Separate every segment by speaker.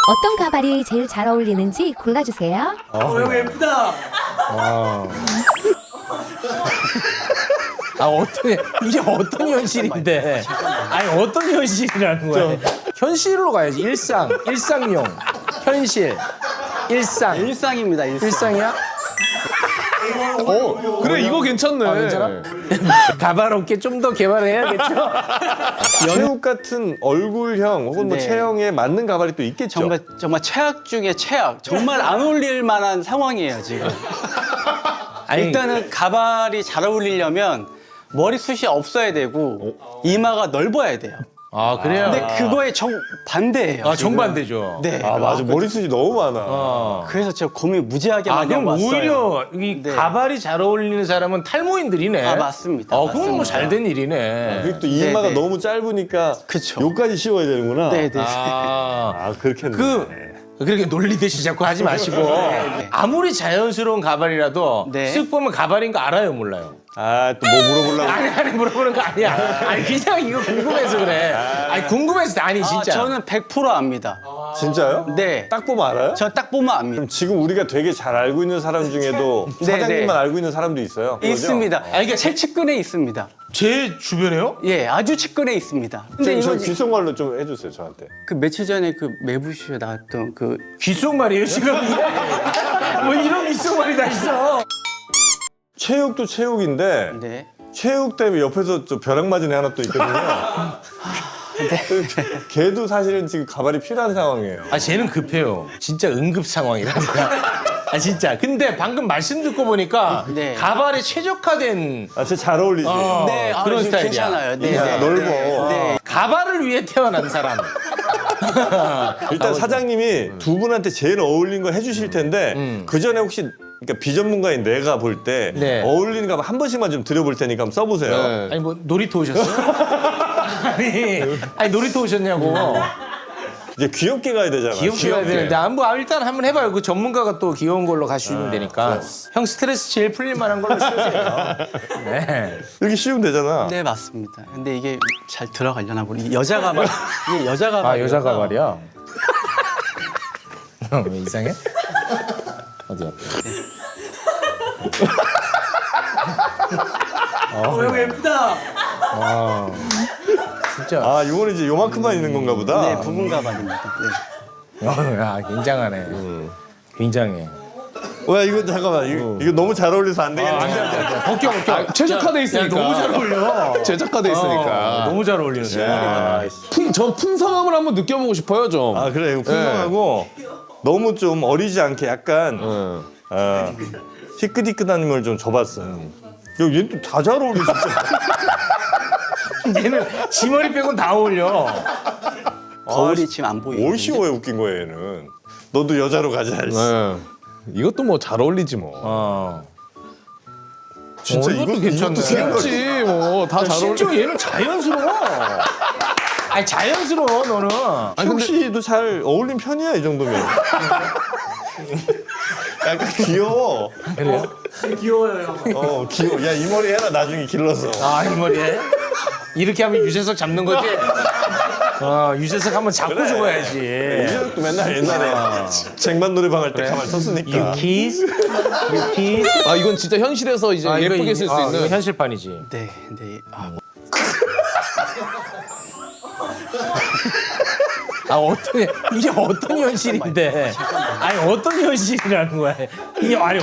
Speaker 1: 어떤 가발이 제일 잘 어울리는지 골라주세요.
Speaker 2: 이거 예쁘다.
Speaker 3: 이게 어떤 현실인데? 아니 어떤 현실이라는 거야? 현실로 가야지. 일상용, 현실,
Speaker 2: 일상입니다.
Speaker 3: 일상이야?
Speaker 4: 그래 이거 괜찮네.
Speaker 3: 괜찮아? 가발 업계 좀 더 개발을 해야겠죠?
Speaker 5: 체육 같은 얼굴형 혹은 뭐
Speaker 2: 네.
Speaker 5: 체형에 맞는 가발이 또 있겠죠.
Speaker 2: 정말 최악 중에 최악. 정말 안 어울릴 만한 상황이에요 지금. 일단은 가발이 잘 어울리려면 머리숱이 없어야 되고 이마가 넓어야 돼요.
Speaker 3: 아 그래요?
Speaker 2: 근데 그거에 정반대예요.
Speaker 3: 아
Speaker 2: 지금.
Speaker 3: 정반대죠.
Speaker 2: 네.
Speaker 5: 아 맞아 머리숱이 너무 많아.
Speaker 2: 그래서 제가 고민 무지하게
Speaker 3: 아
Speaker 2: 많이 하고
Speaker 3: 그럼
Speaker 2: 왔어요.
Speaker 3: 오히려 이
Speaker 2: 네.
Speaker 3: 가발이 잘 어울리는 사람은 탈모인들이네.
Speaker 2: 아, 맞습니다.
Speaker 3: 그건 뭐
Speaker 2: 맞습니다.
Speaker 3: 잘된 일이네.
Speaker 5: 그리고 또 이마가
Speaker 2: 네.
Speaker 5: 너무 짧으니까
Speaker 2: 그쵸.
Speaker 5: 요까지 씌워야 되는구나.
Speaker 2: 네네.
Speaker 5: 아 그렇겠네.
Speaker 3: 그렇게 놀리듯이 자꾸 하지 마시고 아무리 자연스러운 가발이라도
Speaker 2: 네.
Speaker 3: 쓱 보면 가발인 거 알아요, 몰라요?
Speaker 5: 아 또 뭐 물어보려고.
Speaker 3: 아니 물어보는 거 아니야. 아니 그냥 이거 궁금해서 그래. 아니 궁금해서 아니 진짜.
Speaker 2: 저는 100% 압니다.
Speaker 5: 진짜요?
Speaker 2: 네.
Speaker 5: 딱 보면 알아요?
Speaker 2: 저 딱 보면 압니다.
Speaker 5: 그럼 지금 우리가 되게 잘 알고 있는 사람 중에도
Speaker 2: 네,
Speaker 5: 사장님만
Speaker 2: 네.
Speaker 5: 알고 있는 사람도 있어요. 그거죠?
Speaker 2: 있습니다. 그러니까 제 측근에 있습니다.
Speaker 3: 제 주변에요?
Speaker 2: 예, 아주 측근에 있습니다. 근데
Speaker 5: 저
Speaker 2: 이거
Speaker 5: 귓속말로 좀 해주세요 저한테.
Speaker 2: 그 며칠 전에 그 매부쇼에 나왔던 그
Speaker 3: 귓속말이에요 지금? 뭐 이런 귓속말이 다 있어.
Speaker 5: 체육도 체육인데
Speaker 2: 네.
Speaker 5: 체육 때문에 옆에서 저 벼락 맞은 애 하나 또 있거든요. 걔도 사실은 지금 가발이 필요한 상황이에요.
Speaker 3: 아 쟤는 급해요. 진짜 응급 상황이라니까. 아 진짜. 근데 방금 말씀 듣고 보니까
Speaker 2: 네.
Speaker 3: 가발에 최적화된
Speaker 5: 아, 진짜 잘 어울리지.
Speaker 2: 네,
Speaker 3: 그런
Speaker 2: 지금
Speaker 3: 스타일이야.
Speaker 2: 괜찮아요. 네,
Speaker 5: 야,
Speaker 2: 네.
Speaker 5: 넓어.
Speaker 2: 네.
Speaker 3: 가발을 위해 태어난 사람.
Speaker 5: 일단 사장님이 두 분한테 제일 어울린 거 해주실 텐데 그 전에 혹시 그러니까 비전문가인 내가 볼 때
Speaker 3: 네.
Speaker 5: 어울리는 가발 한 번씩만 좀 드려볼 테니까 한번 써보세요.
Speaker 4: 네.
Speaker 3: 아니 뭐 놀이터 오셨어요? 아니 놀이터 오셨냐고.
Speaker 5: 이제 귀엽게 가야 되잖아.
Speaker 3: 귀엽게 해야 되는데 뭐 일단 한번 해봐요. 그 전문가가 또 귀여운 걸로 가시면 되니까. 형 스트레스 제일 풀릴 만한 걸로 쓰세요. 네.
Speaker 5: 이렇게 씌우면 되잖아.
Speaker 2: 네, 맞습니다. 근데 이게 잘 들어가려나 보니 여자 가발. 이게 여자 가발.
Speaker 3: 아 여자 가발이야? 형 왜 이상해? 어디야?
Speaker 2: 이거 예쁘다.
Speaker 3: 진짜.
Speaker 5: 아 이거는 이제 요만큼만 있는 건가 보다.
Speaker 2: 네, 부분 가발입니다. 네.
Speaker 3: 야 굉장하네. 굉장해.
Speaker 5: 와 이거 잠깐만 이거 너무 잘 어울려서 안 되겠네.
Speaker 3: 벗겨.
Speaker 4: 최적화돼 있으니까.
Speaker 3: 너무 잘 어울려.
Speaker 4: 최적화돼 있으니까.
Speaker 3: 너무 잘 어울리는데.
Speaker 5: 야,
Speaker 4: 저 풍성함을 한번 느껴보고 싶어요 좀.
Speaker 5: 아 그래 이거 풍성하고 너무 좀 어리지 않게 약간 희끗희끗한 걸 좀 줘봤어요. 얘는 또 다 잘 어울리지.
Speaker 3: 얘는 지 머리 빼곤 다 어울려.
Speaker 2: 거울이 지금 안 보이는데.
Speaker 5: 뭘 씌워야 웃긴 거야 얘는. 너도 여자로 가자.
Speaker 4: 네. 이것도 뭐 잘 어울리지 뭐.
Speaker 5: 진짜
Speaker 3: 이것도 괜찮네.
Speaker 4: 귀엽지 뭐 다 잘 어울리.
Speaker 3: 심지어 얘는 자연스러워. 아니 자연스러워 너는.
Speaker 5: 최욱 씨도 잘 어울린 편이야 이 정도면. 약간 귀여워.
Speaker 3: 그래요?
Speaker 2: 귀여워요.
Speaker 5: 귀여워. 야 이 머리 해라 나중에 길러서.
Speaker 3: 아 이 머리에? 이렇게 하면 유재석 잡는 거지? 유재석 한번 잡고 죽어야지.
Speaker 5: 이재석도 맨날 옛날에 쟁반 노래방 할 때 가만 섰으니까.
Speaker 3: You kiss? You kiss?
Speaker 4: 아 이건 진짜 현실에서 이제 예쁘게 쓸 수
Speaker 3: 이거
Speaker 4: 있는.
Speaker 3: 현실판이지.
Speaker 2: 네, 네.
Speaker 3: 이게 어떤 현실인데? 아니 어떤 현실이라는 거야? 이게 아니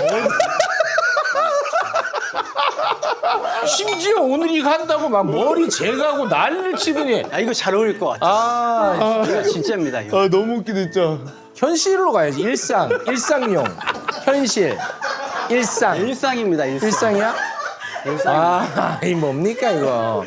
Speaker 3: 심지어 오늘 이거 한다고 막 머리 제거하고 난리를 치더니
Speaker 2: 아, 이거 잘 어울릴 것 같아요. 이거 진짜입니다. 이거.
Speaker 4: 아 너무 웃기다 진짜.
Speaker 3: 현실로 가야지. 일상용, 현실,
Speaker 2: 일상입니다. 일상.
Speaker 3: 일상이야? 이 뭡니까 이거?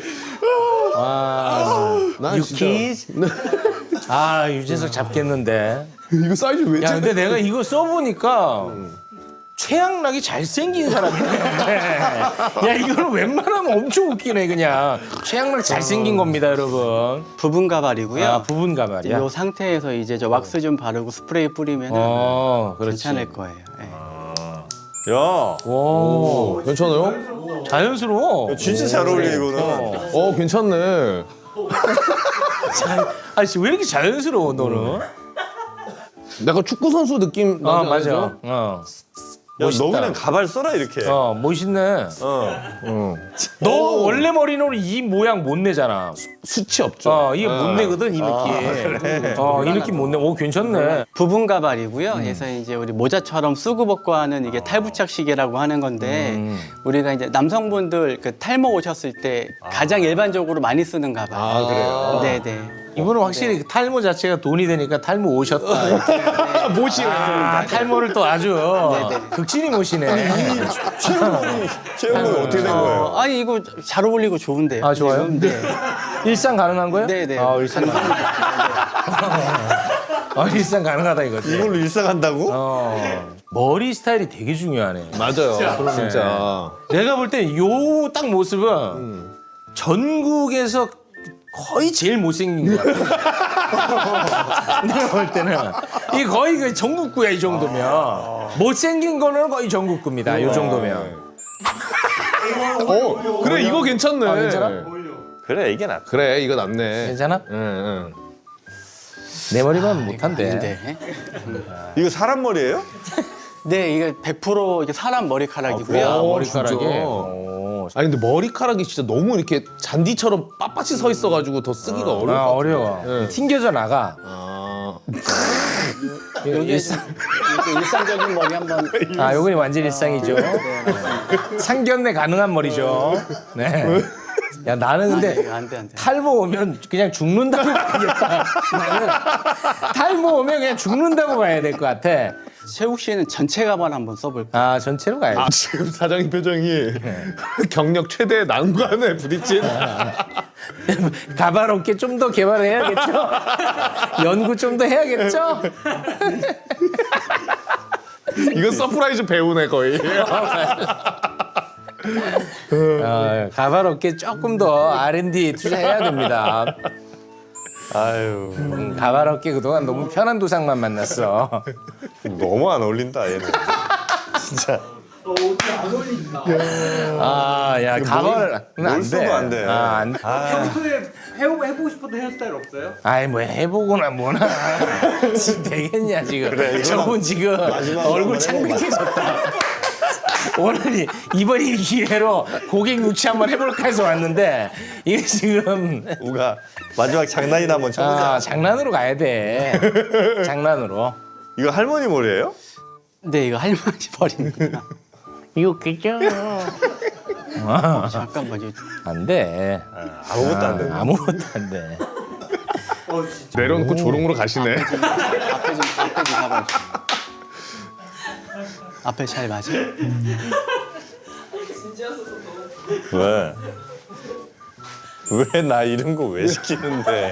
Speaker 4: 난 진짜.
Speaker 3: 유키즈? 유재석 잡겠는데.
Speaker 4: 이거 사이즈 왜
Speaker 3: 야 근데 내가 이거 써보니까 최양락이 잘생긴 사람이네. 야 이거는 웬만하면 엄청 웃기네 그냥. 최양락 잘생긴 겁니다 여러분.
Speaker 2: 부분 가발이고요.
Speaker 3: 부분 가발이야?
Speaker 2: 이 상태에서 이제 저 왁스 좀 바르고 스프레이 뿌리면
Speaker 3: 그렇지.
Speaker 2: 괜찮을 거예요. 네.
Speaker 5: 야
Speaker 3: 오,
Speaker 4: 괜찮아요?
Speaker 3: 자연스러워.
Speaker 5: 진짜 잘 어울려 이거는.
Speaker 4: 괜찮네.
Speaker 3: 아씨 왜 이렇게 자연스러워 너는?
Speaker 4: 약간 축구 선수 느낌
Speaker 3: 어
Speaker 4: 나지
Speaker 3: 맞아.
Speaker 4: 않아요?
Speaker 3: 어.
Speaker 5: 야,
Speaker 3: 멋있다.
Speaker 5: 너 그냥 가발 써라 이렇게.
Speaker 3: 어 멋있네. 너 원래 머리는 이 모양 못 내잖아.
Speaker 4: 수치 없죠.
Speaker 3: 이게 못 내거든 이 느낌. 이 느낌 못 내. 오 괜찮네.
Speaker 2: 부분 가발이고요. 그래서 이제 우리 모자처럼 쓰고 벗고 하는 이게 탈부착식이라고 하는 건데 우리가 이제 남성분들 그 탈모 오셨을 때 가장 일반적으로 많이 쓰는 가발.
Speaker 4: 아, 그래요?
Speaker 2: 네네.
Speaker 3: 이분은 확실히 그 탈모 자체가 돈이 되니까 탈모 오셨다. 이렇게.
Speaker 4: 모시네.
Speaker 3: 탈모를 또 아주 극진히 모시네.
Speaker 5: 최영은 어떻게 된 거예요?
Speaker 2: 아니 이거 잘 어울리고 좋은데요.
Speaker 3: 아 좋아요?
Speaker 2: 지금? 네.
Speaker 3: 일상 가능한 거예요?
Speaker 2: 네네.
Speaker 3: 일상 가능. 일상 가능하다 이거지.
Speaker 5: 이걸로 일상한다고?
Speaker 3: 머리 스타일이 되게 중요하네.
Speaker 4: 맞아요. 진짜.
Speaker 3: 내가 볼 때 요 딱 모습은 전국에서 거의 제일 못생긴 것 같아. 내가 볼 때는 이 거의 그 전국구야 이 정도면. 못생긴 거는 거의 전국구입니다. 이 정도면.
Speaker 4: 그래 이거 괜찮네.
Speaker 3: 괜찮아?
Speaker 5: 그래 이게 낫다.
Speaker 4: 그래 이거 낫네.
Speaker 3: 괜찮아?
Speaker 4: 응.
Speaker 3: 내 머리만 못한대.
Speaker 2: 네.
Speaker 5: 이거 사람 머리예요?
Speaker 2: 네, 이게 100% 이게 사람 머리카락이고요.
Speaker 3: 머리카락이.
Speaker 4: 진짜? 아니 근데 머리카락이 진짜 너무 이렇게 잔디처럼 빳빳이 서 있어가지고 더 쓰기가 어려울 것 같아.
Speaker 3: 어려워. 튕겨져 나가.
Speaker 2: 여기 일상적인 머리 한번.
Speaker 3: 요건 완전 일상이죠. 상견례 가능한 머리죠. 네. 야 나는 근데
Speaker 2: 안 돼.
Speaker 3: 탈모 오면 그냥 죽는다고 봐야겠다. 나는 탈모 오면 그냥 죽는다고 봐야 될 것 같아.
Speaker 2: 최욱 씨는 전체 가발 한번 써볼까요?
Speaker 3: 전체로 가야지.
Speaker 4: 지금 사장님 표정이 경력 최대 난관에 부딪힌.
Speaker 3: 가발 업계 좀 더 개발해야겠죠? 연구 좀 더 해야겠죠?
Speaker 4: 이건 서프라이즈 배우네 거의.
Speaker 3: 가발 업계 조금 더 R&D 투자해야 됩니다.
Speaker 5: 아유
Speaker 3: 가발 업계 그동안 너무 편한 도상만 만났어.
Speaker 5: 너무 안 어울린다 얘는. 진짜.
Speaker 3: 야 가발을 안
Speaker 5: 써도
Speaker 3: 돼.
Speaker 5: 안 돼.
Speaker 3: 안 돼.
Speaker 6: 평소에 해보고 싶었던 헤어스타일 없어요?
Speaker 3: 아이 뭐 해보거나 뭐나 지금 되겠냐 지금.
Speaker 5: 그래, 이거는
Speaker 3: 저분 지금
Speaker 5: 마지막으로
Speaker 3: 얼굴
Speaker 5: 한번
Speaker 3: 창백해졌다. 오늘 이번 이 기회로 고객 유치 한번 해볼까 해서 왔는데 이게 지금
Speaker 5: 우가 마지막 장난이나 한번 쳐보자.
Speaker 3: 장난으로 가야 돼. 장난으로.
Speaker 5: 이거 할머니 머리예요?
Speaker 2: 네, 이거 할머니 머리입니다.
Speaker 3: 이거 웃기죠?
Speaker 2: 잠깐만요.
Speaker 3: 안 돼.
Speaker 5: 아무것도 안 돼.
Speaker 3: 아무것도 안 돼.
Speaker 4: 내려놓고 조롱으로 가시네.
Speaker 2: 앞에 좀 가발 좀. 앞에 잘 맞아?
Speaker 5: 왜? 왜 나 이런 거 왜 시키는데?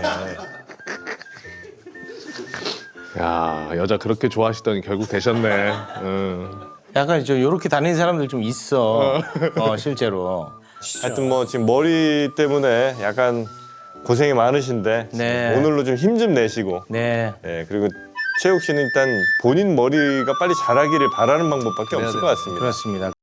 Speaker 4: 야 여자 그렇게 좋아하시더니 결국 되셨네. 응.
Speaker 3: 약간 요렇게 다니는 사람들 좀 있어. 실제로.
Speaker 5: 하여튼 뭐 지금 머리 때문에 약간 고생이 많으신데
Speaker 3: 네.
Speaker 5: 오늘로 좀 힘 좀 내시고
Speaker 3: 네.
Speaker 5: 예, 그리고 최욱 씨는 일단 본인 머리가 빨리 자라기를 바라는 방법밖에 없을 것 같습니다.
Speaker 3: 그렇습니다.